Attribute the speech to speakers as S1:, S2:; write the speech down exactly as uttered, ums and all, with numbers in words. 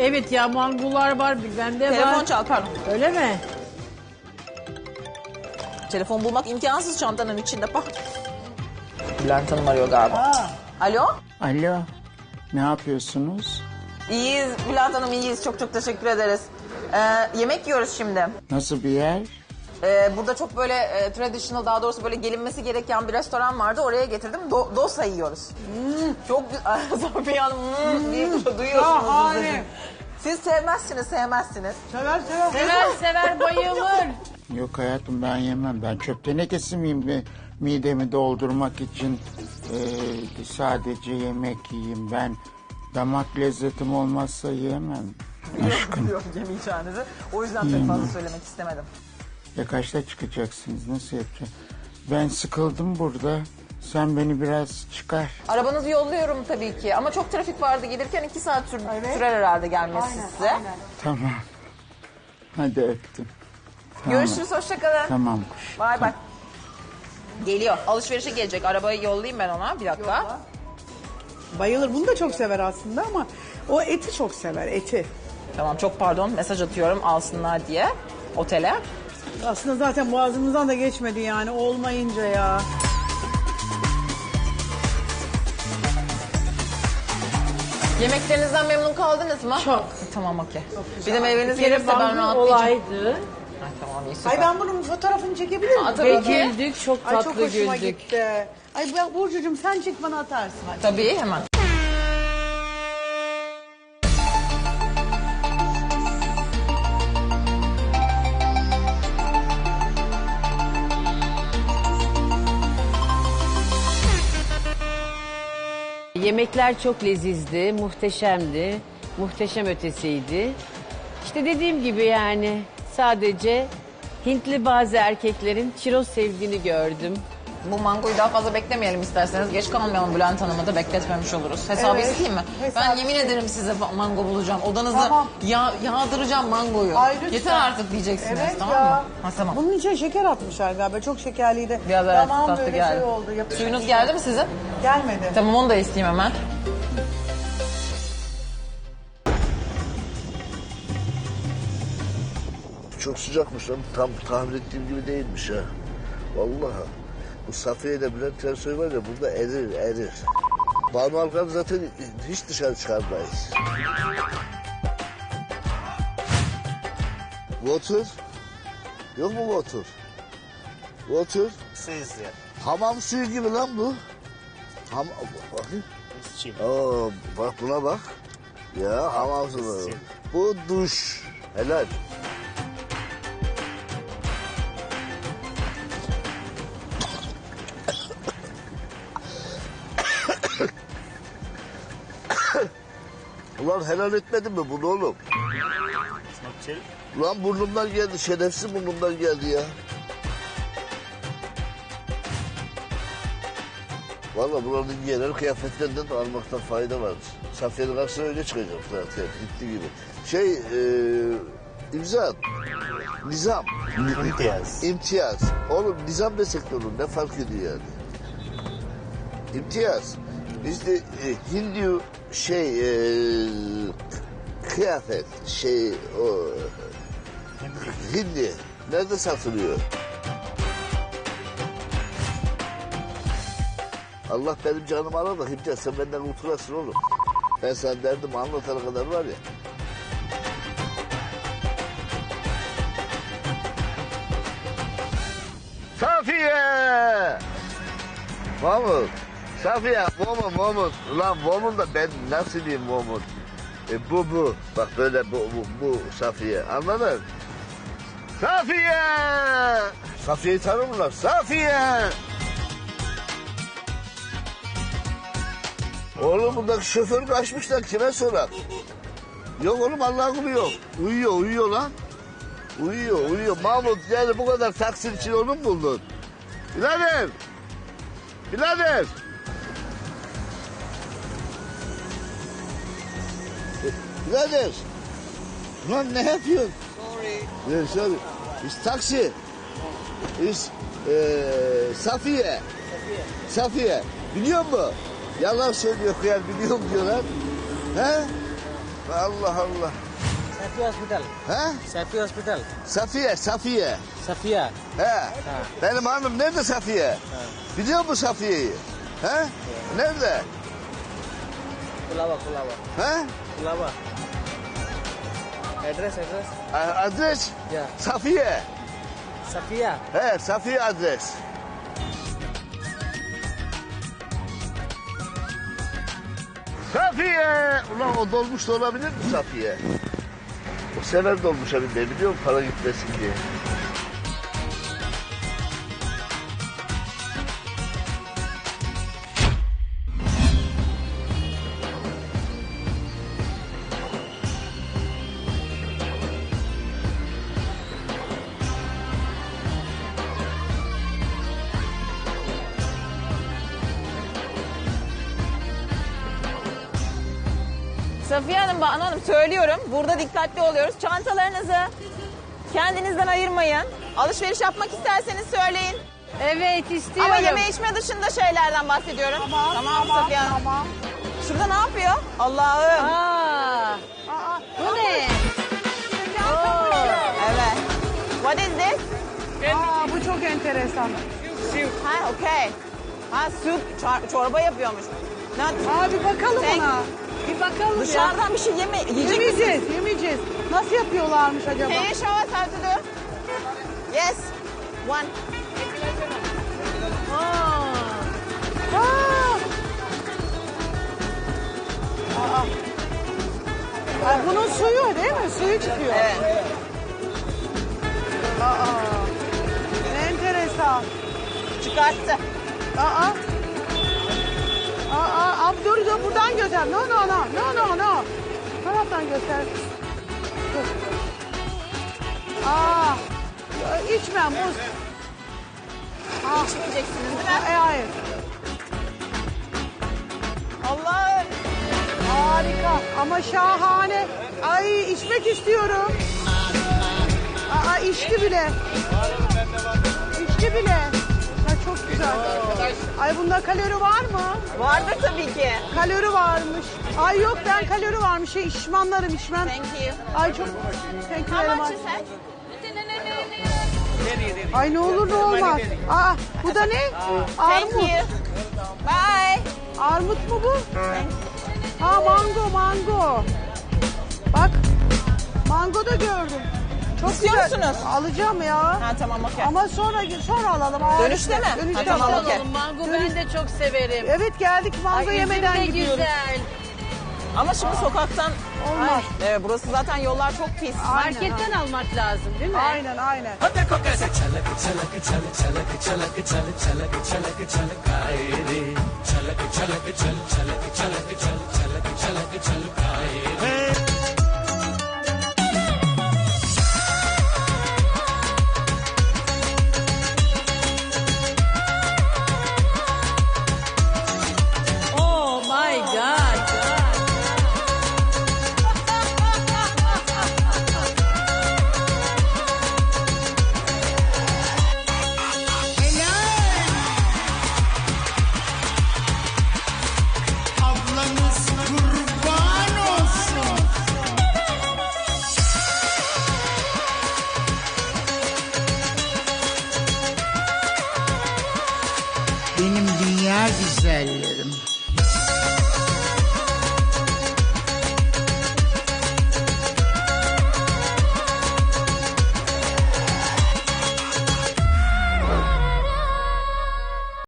S1: Evet ya mangular var, bende var.
S2: Telefon çal pardon.
S1: Öyle mi?
S2: Telefon bulmak imkansız çantanın içinde bak. Bülent Hanım arıyor galiba. Aa. Alo?
S3: Alo, ne yapıyorsunuz?
S2: İyiyiz Bülent Hanım iyiyiz. Çok çok teşekkür ederiz. Ee, yemek yiyoruz şimdi.
S3: Nasıl bir yer?
S2: Ee, burada çok böyle e, traditional daha doğrusu böyle gelinmesi gereken bir restoran vardı. Oraya getirdim. Do dosa yiyoruz. Hmm, çok güzel. Safiye Hanım hmm, diye duyuyorsunuz.
S4: Şahane.
S2: Siz sevmezsiniz sevmezsiniz.
S4: Sever sever.
S1: Sever sever bayılır.
S3: Yok hayatım ben yemem. Ben çöp tenekesi miyim ve midemi doldurmak için e, sadece yemek yiyeyim. Ben damak lezzetim olmazsa yiyemem. Aşkım.
S2: Yok yemeyeceğinizi. O yüzden pek fazla söylemek istemedim.
S3: Ya kaçta çıkacaksınız? Nasıl yapacağım? Ben sıkıldım burada. Sen beni biraz çıkar.
S2: Arabanızı yolluyorum tabii ki ama çok trafik vardı gelirken iki saat sür
S4: Evet.
S2: sürer herhalde gelmesi
S4: Aynen,
S2: size.
S4: aynen.
S3: Tamam. Hadi öptüm. Tamam.
S2: Görüşürüz hoşçakalın.
S3: Tamam kuş.
S2: Bay bay. Geliyor. Alışverişe gelecek. Arabayı yollayayım ben ona. Bir dakika.
S4: Bayılır. Bunu da çok sever aslında ama o eti çok sever, eti.
S2: Tamam çok pardon. Mesaj atıyorum alsınlar diye otele.
S4: Aslında zaten boğazımızdan da geçmedi yani olmayınca ya.
S2: Yemeklerinizden memnun kaldınız mı?
S1: Çok.
S2: Tamam okey. Bir de meyveniz
S1: Bir kere
S2: gelirse ben
S1: bangu
S2: rahatlayacağım.
S1: olaydı.
S2: Ay, tamam iyi süper.
S4: Ay ben bunun fotoğrafını çekebilir miyim?
S2: Aa, tabii
S1: Ve
S2: ki.
S1: güldük, çok
S4: Ay
S1: tatlı
S4: çok hoşuma
S1: güldük.
S4: gitti. Ay ben Burcucuğum sen çek bana atarsın. Hadi.
S2: Tabii hemen.
S1: Yemekler çok lezizdi, muhteşemdi, muhteşem ötesiydi. İşte dediğim gibi yani sadece Hintli bazı erkeklerin çiroz sevdiğini gördüm.
S2: Bu mangoyu daha fazla beklemeyelim isterseniz. Geç kalmayalım Bülent Hanım'ı da bekletmemiş oluruz. Hesabı
S4: Evet,
S2: isteyeyim mi?
S4: hesabı
S2: Ben yemin ederim size mango bulacağım. Odanızı
S4: Tamam.
S2: yağ, yağdıracağım mangoyu.
S4: Ay, lütfen.
S2: Yeter artık diyeceksiniz
S4: Evet
S2: tamam
S4: ya.
S2: mı? Ha, tamam.
S4: Bunun içine şeker atmışlar galiba. Çok şekerliydi.
S2: Biraz evet
S4: Tamam
S2: tatlı
S4: böyle
S2: geldi.
S4: şey oldu. Yapıştı.
S2: Suyunuz geldi mi sizin?
S4: Gelmedi.
S2: Tamam onu da isteyeyim hemen.
S5: Çok sıcakmış lan. Tam tahmin ettiğim gibi değilmiş ha. Vallahi. Bu Safiye ile Bülent Ersoy var ya burada erir erir. Banu Alkan zaten hiç dışarı çıkarmayız. Water. Yok mu water? Water.
S6: Sizce.
S5: Hamam suyu gibi lan bu. Ham bakayım.
S6: Çin.
S5: Oo, bak buna bak. Ya hamam suyu. Bu duş. Helal. Ulan helal etmedin mi bunu oğlum?
S6: Snapchat.
S5: Ulan burnumdan geldi, şerefsiz burnumdan geldi ya. Vallahi buranın genel kıyafetlerinden de almaktan fayda var. Safiye'nin karşısına öyle çıkacak zaten, gitti gibi. Şey, e, imza, nizam.
S6: İmtiyaz.
S5: İmtiyaz. Oğlum nizam desek de olur, ne fark ediyor yani? İmtiyaz. Bizde e, Hindu şey, e, kıyafet, şey, o... Hindi. Nerede satılıyor? Allah benim canımı alır da Himcan sen benden kurtulasın oğlum. Ben sana derdimi anlatana kadar var ya. Safiye! Mahmut. Safiye, Momut, Momut. Ulan Momut da ben nasıl diyeyim Momut? E, bu bu. Bak böyle bu, bu, bu Safiye. Anladın? Safiye! Safiye'yi tanır mılar? Safiye! Oğlum buradaki şoför kaçmışlar. Kime sorar? Yok oğlum Allah'ın kulu yok. Uyuyor, uyuyor lan. Uyuyor, uyuyor. Mahmut yani bu kadar taksit için onu mu buldun? Birader! Birader! Birader! Lan ne yapıyorsun? Sorry. Yeah, sorry. It's taxi. It's e, Safiye. Safiye. Safiye. Biliyor musun? Yalan söylüyor kıyar biliyorum diyorlar. He? Allah Allah.
S7: Safi Hospital.
S5: He?
S7: Safi Hospital.
S5: Safiye, Safiye.
S7: Safiya.
S5: He. Benim hanım nerede Safiye? Biliyor musun Safiye'yi? He? Nerede?
S7: Kulava, Kulava.
S5: He?
S7: Kulava. Address, address.
S5: A- Adres?
S7: Ya.
S5: Safiye.
S7: Safiya.
S5: He, Safiye adres. Safiye! Ulan o dolmuş da olabilir mi Safiye? O sever dolmuşa binmeyi biliyor musun? Para gitmesin diye.
S2: Safiye Hanım, Banu Hanım söylüyorum. Burada dikkatli oluyoruz. Çantalarınızı kendinizden ayırmayın. Alışveriş yapmak isterseniz söyleyin.
S1: Evet istiyorum.
S2: Ama yeme içme dışında şeylerden bahsediyorum.
S4: Tamam, tamam,
S2: Safiye Hanım.
S4: tamam.
S2: Şurada ne yapıyor? Allah'ım.
S1: Aa,
S4: Aa,
S1: bu ne?
S2: Evet. What is this?
S4: aa, bu çok enteresan.
S2: Ha, okay. Ha, süt, çor- çorba yapıyormuş. Ne?
S4: Aa, bir bakalım
S2: Sen-
S4: ona.
S1: Bir bakalım ya.
S2: Dışarıdan bir şey yeme, yiyecek misiniz?
S4: Yemeyeceğiz, yemeyeceğiz. Nasıl yapıyorlarmış acaba?
S2: Can you show us how to do? Yes. One.
S4: Aa! Aa! Aa, bunun suyu değil mi? Suyu çıkıyor.
S2: Evet.
S4: Aa! Ne enteresan.
S2: Çıkarttı.
S4: Aa! Aa, abi dur dur buradan göster. No no no. No no no. Taraftan göster. Dur. Aa! İçmem muz. Aa,
S2: İçmeyeceksiniz değil mi?
S4: e, hayır.
S2: Allah'ım.
S4: Harika ama şahane. Ay içmek istiyorum. Aa içti bile. İçti bile. Ya çok güzel. Ay bunda kalori var mı?
S2: Vardır tabii ki.
S4: Kalori varmış. Ay yok ben kalori varmış. Şey içmanlarım içmem.
S2: Thank you.
S4: Ay çok thank you
S2: How
S4: very
S2: much
S4: much.
S2: is that?
S4: Ay ne olur ne olmaz. Aa bu da ne?
S2: Thank
S4: Armut.
S2: you. Bye.
S4: Armut mu bu?
S2: Thank
S4: Ha mango mango. Bak mango da gördüm. Çok
S2: İstiyor
S4: güzel.
S2: musunuz?
S4: Alacağım ya.
S2: Ha tamam okey.
S4: Ama sonra sonra alalım. Aa,
S2: Dönüşte mi?
S4: Dönüşte
S2: Ha, tamam,
S4: alalım.
S2: okey.
S1: Mango ben de çok severim.
S4: Evet geldik mango
S1: Ay,
S4: yemeden
S1: üzüm de
S4: gidiyoruz.
S1: güzel.
S2: Ama şimdi sokaktan
S4: Olmaz.
S2: Evet, burası zaten yollar çok pis.
S4: Aynen,
S1: Marketten almak lazım değil mi?
S4: Aynen aynen.
S1: Oh my God.
S8: Ablanız kurban olsun. Benim dünya güzelleri.